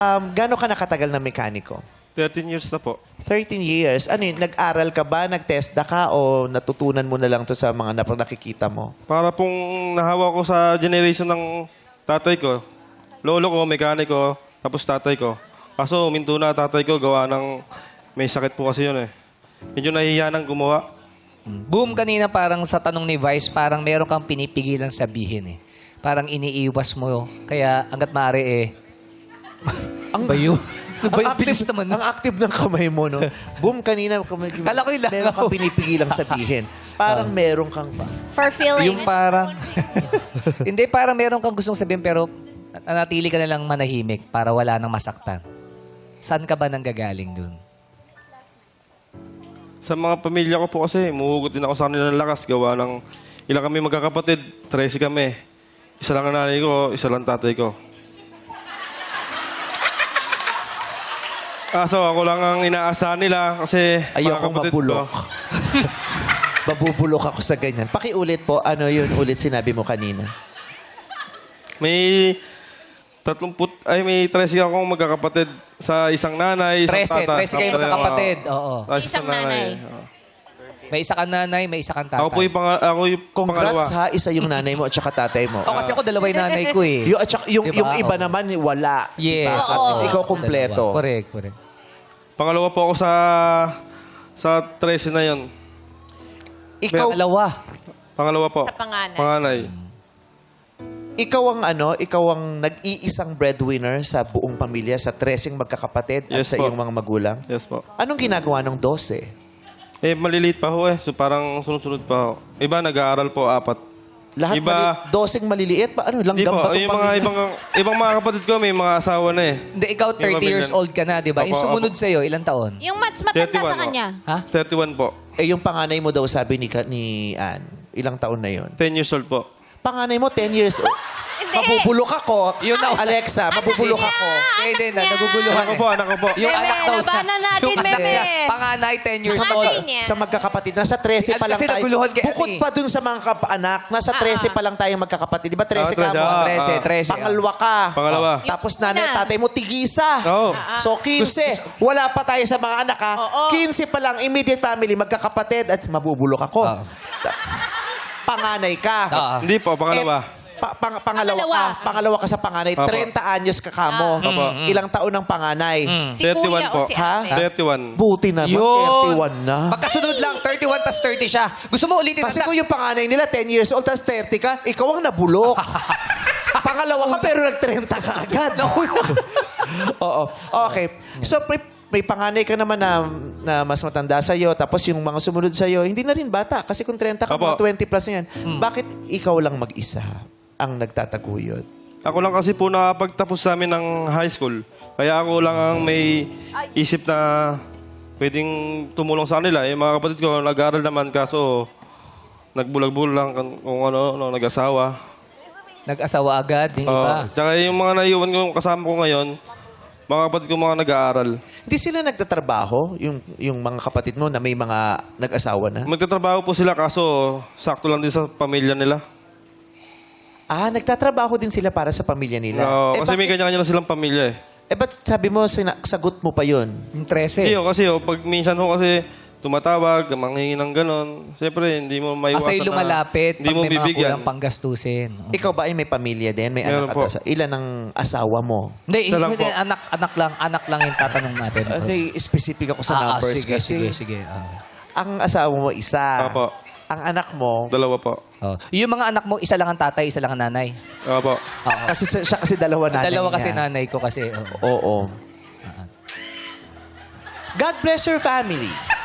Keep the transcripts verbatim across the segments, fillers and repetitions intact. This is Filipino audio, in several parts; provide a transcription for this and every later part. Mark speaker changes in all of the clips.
Speaker 1: Um, gaano ka nakatagal na mekaniko?
Speaker 2: thirteen years na po.
Speaker 1: thirteen years. Ano yun, nag-aral ka ba, nag-TESDA ka, o natutunan mo na lang to sa mga nap- nakikita mo?
Speaker 2: Para pong nahawa ko sa generation ng tatay ko. Lolo ko, mekaniko, tapos tatay ko. Kaso uminto na tatay ko, gawa ng may sakit po kasi yun eh. Medyo nahihiya nang gumawa.
Speaker 3: Boom, kanina parang sa tanong ni Vice, parang meron kang pinipigilan sabihin eh. Parang iniiwas mo. Kaya hanggat maaari eh.
Speaker 1: Ang
Speaker 3: ba yun?
Speaker 1: ang,
Speaker 3: Ba-
Speaker 1: active,
Speaker 3: bilis naman.
Speaker 1: ang active ng kamay mo, no? Boom, kanina kamay,
Speaker 3: Kala ko yun lang
Speaker 1: meron kang
Speaker 3: ako.
Speaker 1: pinipigilang sabihin. Parang meron kang pa.
Speaker 4: For feeling.
Speaker 3: Yung parang... Hindi, parang meron kang gustong sabihin pero nanatili ka na lang manahimik para wala nang masaktan. Saan ka ba nanggagaling dun?
Speaker 2: Sa mga pamilya ko po kasi, muhugot din ako sa kanila ng lakas. Gawa ng ilang kami magkakapatid, tresi kami. Isa lang ang nanay ko, isa lang tatay ko. Ah, so ako lang ang inaasahan nila kasi mga
Speaker 1: Ayoko
Speaker 2: kapatid
Speaker 1: mabulok.
Speaker 2: ko.
Speaker 1: Mabubulok ako sa ganyan. Pakiulit po, ano yun ulit sinabi mo kanina?
Speaker 2: May tatlong put, ay may tresi akong magkakapatid sa isang nanay, isang
Speaker 3: Trese,
Speaker 2: tata.
Speaker 3: trese kayo
Speaker 2: Tapos,
Speaker 3: magkakapatid.
Speaker 2: ah,
Speaker 3: Oo.
Speaker 2: ah,
Speaker 4: Isang nanay.
Speaker 2: Oo.
Speaker 3: May isa kang nanay, may isa kang tatay.
Speaker 2: Ako po yung, pang, ako yung pangalawa.
Speaker 1: Congrats ha, isa yung nanay mo at saka tatay mo.
Speaker 3: O, kasi ako dalawa yung nanay ko eh.
Speaker 1: Yung, at saka, yung,
Speaker 3: Diba?
Speaker 1: yung iba
Speaker 3: Oo.
Speaker 1: naman, wala.
Speaker 3: Yes.
Speaker 1: Diba? At least ikaw kompleto.
Speaker 3: Dalawa. Correct, correct.
Speaker 2: Pangalawa po ako sa sa tresi na yon.
Speaker 1: Ikaw,
Speaker 3: Dalawa.
Speaker 2: Pangalawa po.
Speaker 4: Sa panganay.
Speaker 2: Panganay.
Speaker 1: ikaw ang ano, ikaw ang nag-iisang breadwinner sa buong pamilya, sa treseng magkakapatid at
Speaker 2: Yes
Speaker 1: sa
Speaker 2: po.
Speaker 1: iyong mga magulang.
Speaker 2: Yes po.
Speaker 1: Anong ginagawa ng dose?
Speaker 2: Eh, maliliit pa ho eh. So, parang sunod-sunod pa ho. Iba, nag-aaral po, apat.
Speaker 1: Lahat
Speaker 2: Iba-
Speaker 1: mali- doseng maliliit pa? Ano,
Speaker 2: Hindi
Speaker 1: langgam
Speaker 2: po.
Speaker 1: ba itong
Speaker 2: Yung mga
Speaker 1: pamilya?
Speaker 2: ibang, ibang mga kapatid ko, may mga asawa na eh.
Speaker 3: Hindi, ikaw thirty
Speaker 2: pamilya-
Speaker 3: years old ka na, di ba? Yung
Speaker 2: Opo,
Speaker 3: sumunod
Speaker 2: opo.
Speaker 3: sa'yo, ilang taon?
Speaker 4: Yung mas matanda
Speaker 2: thirty-one
Speaker 4: sa
Speaker 2: po.
Speaker 4: kanya.
Speaker 3: Ha?
Speaker 2: thirty-one po.
Speaker 1: Eh, yung panganay mo daw, sabi ni, Ka- ni Ann, ilang taon na yon?
Speaker 2: ten years old po.
Speaker 1: Panganay mo, ten years old.
Speaker 4: Hindi.
Speaker 1: Mabubulok ako.
Speaker 3: Yun na-
Speaker 1: Alexa, mabubulok
Speaker 4: niya?
Speaker 1: ako.
Speaker 3: Kaya hindi na,
Speaker 4: niya.
Speaker 3: naguguluhan
Speaker 2: Anak ko po,
Speaker 3: eh.
Speaker 2: anak ko po.
Speaker 3: Yung
Speaker 4: Meme,
Speaker 3: anak daw
Speaker 4: labanan natin,
Speaker 3: yung anak
Speaker 4: meme.
Speaker 3: niya, panganay, ten years
Speaker 4: Panganay
Speaker 3: old.
Speaker 4: niya.
Speaker 1: Sa magkakapatid. Nasa trese pa lang
Speaker 3: Kasi
Speaker 1: tayo.
Speaker 3: naguluhan kay
Speaker 1: Bukod
Speaker 3: Annie.
Speaker 1: pa dun sa mga kap-anak, nasa trese pa lang tayo magkakapatid. Di ba trese
Speaker 2: Ah,
Speaker 1: ka
Speaker 2: trese,
Speaker 1: mo?
Speaker 2: ah.
Speaker 3: Trese, trese.
Speaker 1: Pangalwa ka.
Speaker 2: Pangalawa.
Speaker 1: Oh. Tapos
Speaker 4: Yung
Speaker 1: nanay
Speaker 4: una.
Speaker 1: at tatay mo, tigisa.
Speaker 2: Oo.
Speaker 1: So, quince. Wala pa tayo sa mga anak, ha?
Speaker 4: Oo.
Speaker 1: quince pa lang, immediate family, magkakapatid, at mabubulok ako.
Speaker 3: Oo.
Speaker 1: Ta- Panganay ka.
Speaker 3: Oo.
Speaker 2: Hindi po, pangalawa.
Speaker 1: Pa- pang- pangalawa,
Speaker 4: Pangalawa.
Speaker 1: ka. Pangalawa ka sa panganay.
Speaker 2: Opo.
Speaker 1: thirty anyos ka kamo.
Speaker 2: Opo.
Speaker 1: Ilang taon ng panganay?
Speaker 4: Si
Speaker 2: thirty-one
Speaker 4: kuya
Speaker 2: po.
Speaker 4: o si
Speaker 1: Ha?
Speaker 4: ate.
Speaker 2: thirty-one.
Speaker 1: Buti naman,
Speaker 3: Yun.
Speaker 1: thirty-one na.
Speaker 3: Magkasunod lang, thirty-one tas thirty siya. Gusto mo ulitin
Speaker 1: Kasi
Speaker 3: ang
Speaker 1: kung yung panganay nila, ten years old, tapos thirty ka, ikaw ang nabulok. Pangalawa ka, pero nag-thirty ka agad. Oo. Okay. So, may, may panganay ka naman na, na mas matanda sa'yo, tapos yung mga sumunod sa'yo, hindi na rin bata. Kasi kung thirty ka,
Speaker 2: Apo.
Speaker 1: mga twenty plus na yan. Bakit ikaw lang mag-isa ang nagtataguyod?
Speaker 2: Ako lang kasi po nakapagtapos sa amin ng high school. Kaya ako lang ang may isip na pwedeng tumulong sa kanila. Yung mga kapatid ko, nag-aaral naman kaso nagbulag-bulag lang kung kung ano, ano nag-asawa.
Speaker 3: Nag-asawa agad, yung
Speaker 2: Oo.
Speaker 3: iba.
Speaker 2: Tsaka yung mga naiwan ko kasama ko ngayon, mga kapatid ko mga nag-aaral.
Speaker 1: Hindi sila nagtatrabaho, yung, yung mga kapatid mo na may mga nag-asawa na?
Speaker 2: Magtatrabaho po sila kaso sakto lang din sa pamilya nila.
Speaker 1: Ah, nagtatrabaho din sila para sa pamilya nila.
Speaker 2: Oo,
Speaker 1: eh,
Speaker 2: kasi may
Speaker 1: bakit,
Speaker 2: kanya-kanya na silang pamilya eh.
Speaker 1: eh, ba't sabi mo, sina- sagot mo pa yun?
Speaker 3: Yung trese.
Speaker 2: Hindi, oh, kasi oh, pag minsan ho kasi tumatawag, manghingi ng ganon, siyempre hindi mo maiwasan
Speaker 3: Kasi lumalapit
Speaker 2: hindi
Speaker 3: pag
Speaker 2: mo
Speaker 3: may mga
Speaker 2: bibigyan.
Speaker 3: kulang panggastusin.
Speaker 1: Ikaw ba ay may pamilya din? May
Speaker 2: Meron
Speaker 1: anak
Speaker 2: po.
Speaker 1: at asa- Ilan ang asawa mo?
Speaker 3: Hindi,
Speaker 2: Isa lang
Speaker 3: hindi,
Speaker 2: po.
Speaker 3: anak, anak lang, anak lang yung tatanong natin.
Speaker 1: Uh, Hindi, specific ako sa
Speaker 3: Ah, ah,
Speaker 1: numbers
Speaker 3: sige,
Speaker 1: kasi.
Speaker 3: sige, sige. Ah.
Speaker 1: Ang asawa mo, isa.
Speaker 2: Opo.
Speaker 1: Ang anak mo,
Speaker 2: Dalawa po.
Speaker 3: Oh. Yung mga anak mo, isa lang ang tatay, isa lang ang nanay.
Speaker 2: Opo.
Speaker 3: Oo.
Speaker 1: kasi siya siya kasi dalawa nanay
Speaker 3: Dalawa kasi
Speaker 1: niya.
Speaker 3: nanay ko kasi. oo.
Speaker 1: Oo. God bless your family.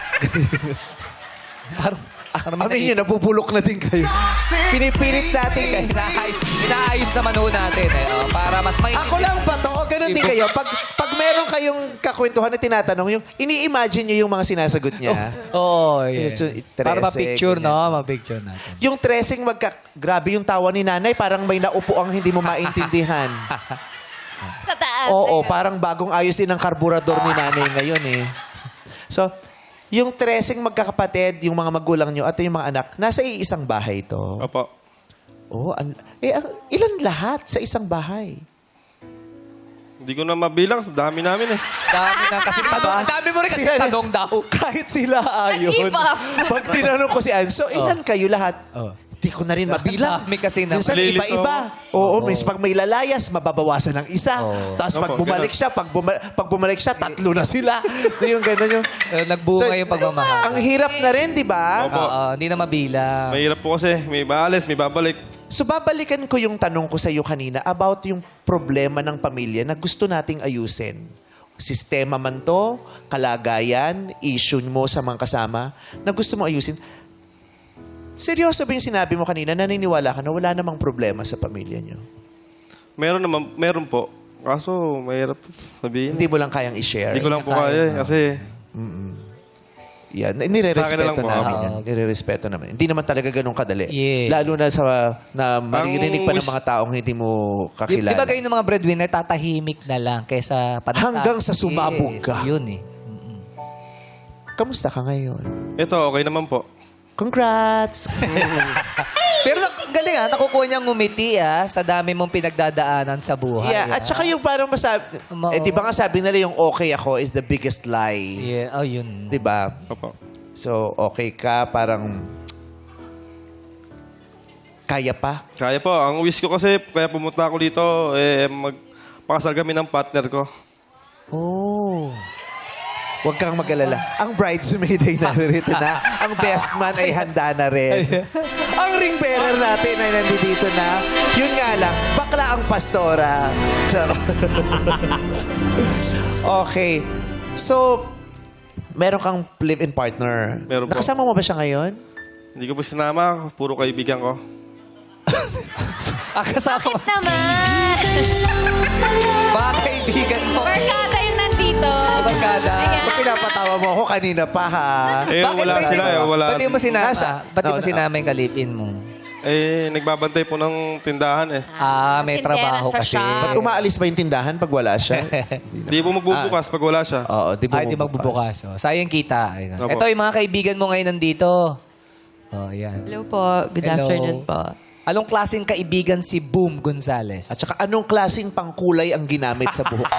Speaker 3: Parang, parang may
Speaker 1: Amin yun, nabubulok na din kayo. Pinipilit natin.
Speaker 3: Inaayos, inaayos naman ho natin. Eh, oh, para mas may...
Speaker 1: Ako lang ba to? O ganun din kayo? Pag, pag meron kayong kakwentuhan na tinatanong, yung ini-imagine nyo yung mga sinasagot niya.
Speaker 3: Oo, oh, yeah.
Speaker 1: Yes, so,
Speaker 3: Para
Speaker 1: trese,
Speaker 3: ma-picture,
Speaker 1: ganyan.
Speaker 3: no? Ma-picture natin.
Speaker 1: Yung tracing magka... Grabe yung tawa ni nanay, parang may naupo ang hindi mo maintindihan.
Speaker 4: Sa taas.
Speaker 1: Oo, parang bagong ayos din ang karburador ni nanay ngayon eh. So, yung tracing magkakapatid, yung mga magulang nyo at yung mga anak, nasa iisang bahay to.
Speaker 2: Opo.
Speaker 1: Oh, an- eh, ang- ilan lahat sa isang bahay?
Speaker 2: Hindi ko na mabilang. Dami namin eh.
Speaker 3: Dami na kasi tanong. Ang dami mo rin kasi
Speaker 1: Sila-
Speaker 3: tanong daw.
Speaker 1: Kahit sila ayon.
Speaker 4: Nag-give up.
Speaker 1: Pag tinanong ko si Ann, so ilan kayo lahat?
Speaker 3: Oh.
Speaker 1: Hindi ko na rin mabilang.
Speaker 3: Dami kasi na-
Speaker 1: Minsan
Speaker 2: Malilito
Speaker 1: iba-iba. Oo, minsan pag may lalayas, mababawasan ng isa.
Speaker 3: Oo.
Speaker 1: Tapos pag
Speaker 2: Opo,
Speaker 1: bumalik
Speaker 2: ganun.
Speaker 1: siya, pag, buma- pag bumalik siya, tatlo na sila. yung gano'n yung...
Speaker 3: Eh, nagbunga yung pagmamahal.
Speaker 1: Ang hirap na rin, di ba?
Speaker 2: Opo.
Speaker 3: Oo, hindi na mabilang.
Speaker 2: Mahirap po kasi. May maalis, may babalik.
Speaker 1: So babalikan ko yung tanong ko sa iyo kanina about yung problema ng pamilya na gusto nating ayusin. Sistema man to, kalagayan, issue mo sa mga kasama na gusto mo ayusin. Seryoso ba yung sinabi mo kanina? Naniniwala ka na wala namang problema sa pamilya niyo?
Speaker 2: Meron naman, meron po. Kaso, mahirap sabihin.
Speaker 1: Hindi mo lang kayang i-share?
Speaker 2: Hindi ko lang po kaya eh. Kasi,
Speaker 1: Yan,
Speaker 2: Sa akin na
Speaker 1: nire-respeto
Speaker 2: lang po,
Speaker 1: namin
Speaker 3: ah.
Speaker 1: yan. Nire-respeto namin. Hindi naman talaga ganun kadali.
Speaker 3: Yeah.
Speaker 1: Lalo na sa na maririnig pa ng
Speaker 2: wish-
Speaker 1: mga taong hindi mo
Speaker 3: Di,
Speaker 1: kakilala.
Speaker 3: di ba kayo ng mga breadwinner, tatahimik na lang kaysa panasa?
Speaker 1: Hanggang sa sumabog
Speaker 3: Yes,
Speaker 1: ka.
Speaker 3: Yun eh.
Speaker 1: Kamusta ka ngayon?
Speaker 2: ito, okay naman po.
Speaker 1: Congrats!
Speaker 3: Pero nak- galing ah, nakukuha niyang ngumiti ah, sa dami mong pinagdadaanan sa buhay.
Speaker 1: Yeah, at
Speaker 3: ah.
Speaker 1: saka yung parang masabi,
Speaker 3: Ma-
Speaker 1: eh, di ba nga sabi nila yung okay ako is the biggest lie.
Speaker 3: Yeah, oh yun.
Speaker 1: Di ba?
Speaker 2: Opo.
Speaker 1: So, okay ka, parang kaya pa.
Speaker 2: Kaya po. Ang wish ko kasi, kaya pumunta ako dito, eh, magpakasal kami ng partner ko.
Speaker 3: Oh.
Speaker 1: Huwag kang mag-alala. Ang bridesmaid ay naririto na. Ang best man ay handa na rin. Ang ring bearer natin ay nandito na. Yun nga lang, bakla ang pastora. Charot. Okay. So, meron kang live-in partner.
Speaker 2: Meron po.
Speaker 1: Nakasama mo ba siya ngayon?
Speaker 2: Hindi ko po sinama, puro kaibigan ko.
Speaker 3: Ah, kasama
Speaker 4: Bakit naman?
Speaker 3: mga kaibigan mo.
Speaker 4: Barkada yung nandito.
Speaker 3: Barkada.
Speaker 4: Ayan.
Speaker 1: Ba't pinapatawa mo ako kanina pa, ha?
Speaker 2: Eh,
Speaker 3: Bakit
Speaker 2: wala
Speaker 3: ba hindi
Speaker 2: sila
Speaker 3: mo-
Speaker 2: eh, wala.
Speaker 3: Ba't di mo sinama?
Speaker 1: Nasa-
Speaker 3: Ba't di
Speaker 1: No,
Speaker 3: mo
Speaker 1: no.
Speaker 3: sinama yung kalipin mo?
Speaker 2: Eh, nagbabantay po ng tindahan eh.
Speaker 3: Ah, may
Speaker 4: Tindera
Speaker 3: trabaho
Speaker 4: sa
Speaker 3: kasi.
Speaker 4: shop.
Speaker 1: Ba't umaalis ba yung tindahan pag wala siya?
Speaker 2: Hindi po magbubukas pag wala siya.
Speaker 1: Oo, di
Speaker 3: Ay, di magbubukas. Oh. Sayang kita. Ayun.
Speaker 2: Opo.
Speaker 3: Ito yung mga kaibigan mo ngayon nandito. Oh, yan.
Speaker 5: Hello po. Good
Speaker 3: Hello.
Speaker 5: afternoon po.
Speaker 3: Anong klaseng kaibigan si Boom Gonzales?
Speaker 1: At saka anong klaseng pangkulay ang ginamit sa buhok?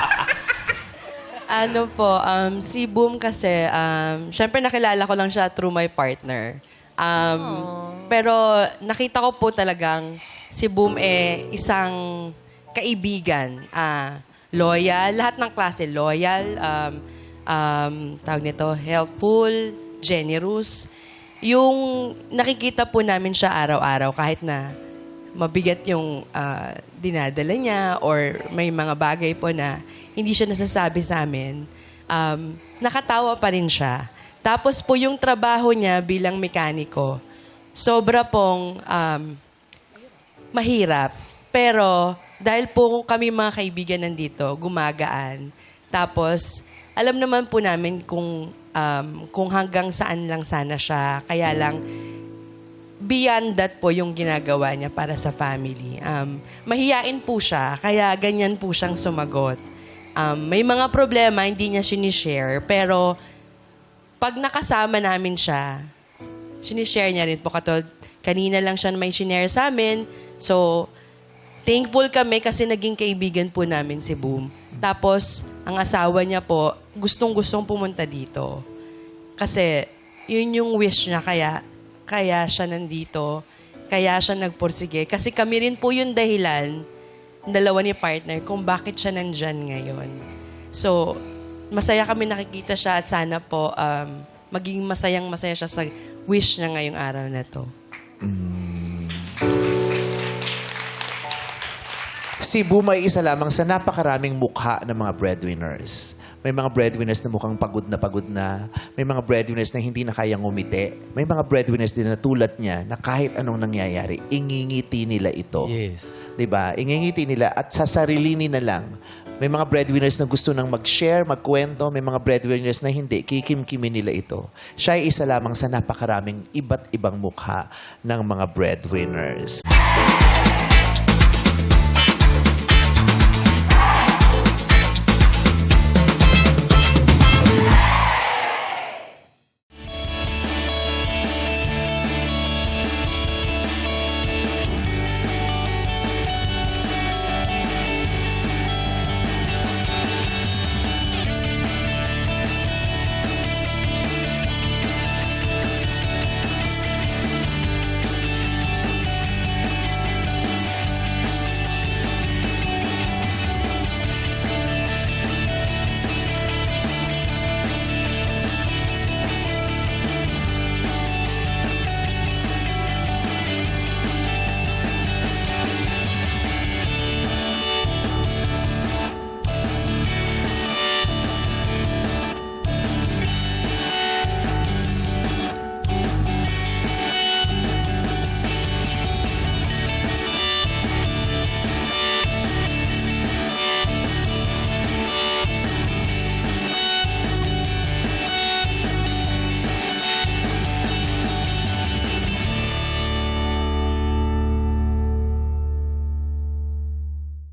Speaker 5: Ano po, um, si Boom kasi, um, syempre nakilala ko lang siya through my partner. Um, pero nakita ko po talagang si Boom eh isang kaibigan. ah loyal, lahat ng klase. Loyal, um, um, tawag nito, helpful, generous. Yung nakikita po namin siya araw-araw kahit na mabigat yung ah, dinadala niya or may mga bagay po na hindi siya nasasabi sa amin, um, nakatawa pa rin siya. Tapos po yung trabaho niya bilang mekaniko, sobra pong um, mahirap. Pero dahil po kami mga kaibigan nandito, gumagaan. Tapos alam naman po namin kung, um, kung hanggang saan lang sana siya. Kaya lang, beyond that po yung ginagawa niya para sa family. Um, mahiyain po siya, kaya ganyan po siyang sumagot. Um, may mga problema, hindi niya sinishare, pero pag nakasama namin siya, sinishare niya rin po. Katulad, kanina lang siya may sinare sa amin. So, thankful kami kasi naging kaibigan po namin si Boom. Tapos, ang asawa niya po, gustong-gustong pumunta dito. Kasi, yun yung wish niya, kaya kaya siya nandito, kaya siya nagpursige. Kasi kami rin po yung dahilan, dalawa ni partner, kung bakit siya nandyan ngayon. So, masaya kami nakikita siya at sana po um, maging masayang masaya siya sa wish niya ngayong araw na to.
Speaker 1: Si Boom ay isa lamang sa napakaraming mukha ng mga breadwinners. May mga breadwinners na mukhang pagod na pagod na. May mga breadwinners na hindi na kayang ngumiti. May mga breadwinners din na tulad niya na kahit anong nangyayari, ingingiti nila ito.
Speaker 3: Yes.
Speaker 1: 'Di ba? Ingingiti nila at sa sarili nila lang. May mga breadwinners na gusto nang mag-share, magkwento. May mga breadwinners na hindi. Kikimkimin nila ito. Siya ay isa lamang sa napakaraming iba't ibang mukha ng mga breadwinners.